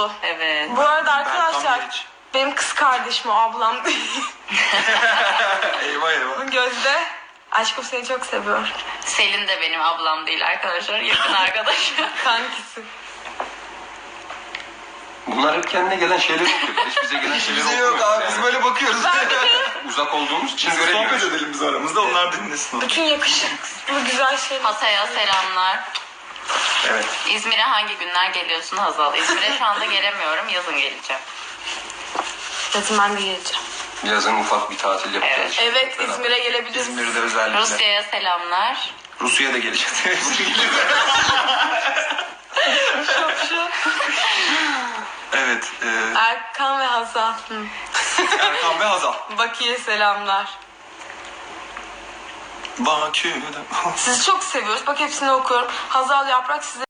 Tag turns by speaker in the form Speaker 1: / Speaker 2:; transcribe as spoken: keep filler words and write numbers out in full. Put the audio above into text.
Speaker 1: oldu.
Speaker 2: Evet.
Speaker 1: Bu arada
Speaker 3: tam
Speaker 1: arkadaşlar
Speaker 3: geç.
Speaker 1: benim kız kardeşim o ablam değil.
Speaker 3: Eyvah eyvah.
Speaker 1: Gözde. Aşkım seni çok seviyor.
Speaker 2: Selin de benim ablam değil arkadaşlar. Yakın arkadaşım.
Speaker 1: Kankisi.
Speaker 4: Bunlar hep kendine gelen şeyler okuyor. Hiç bize gelen şeyler
Speaker 3: Bize yok abi, biz böyle bakıyoruz.
Speaker 4: Uzak olduğumuz için
Speaker 3: Biz sohbet
Speaker 4: göremiyoruz.
Speaker 3: edelim biz aramızda, onlar dinlesin.
Speaker 1: Bütün yakışıklı güzel şeyler.
Speaker 2: Hatay'a selamlar.
Speaker 3: Evet.
Speaker 2: İzmir'e hangi günler geliyorsun Hazal? İzmir'e şu anda gelemiyorum. Yazın geleceğim.
Speaker 1: Yazın ben de geleceğim.
Speaker 4: Yazın ufak bir tatil yapacağız.
Speaker 1: Evet İzmir'e gelebiliriz.
Speaker 3: İzmir'de özellikle.
Speaker 2: Rusya'ya selamlar.
Speaker 3: Rusya'ya da geleceğiz.
Speaker 1: Şapşu.
Speaker 3: Evet. E,
Speaker 1: Erkan ve Hazal. Hı.
Speaker 3: Erkan ve Hazal.
Speaker 1: Bakü'ye selamlar.
Speaker 3: Bakü'de.
Speaker 1: Sizi çok seviyoruz. Bak hepsini okuyorum. Hazal Yaprak size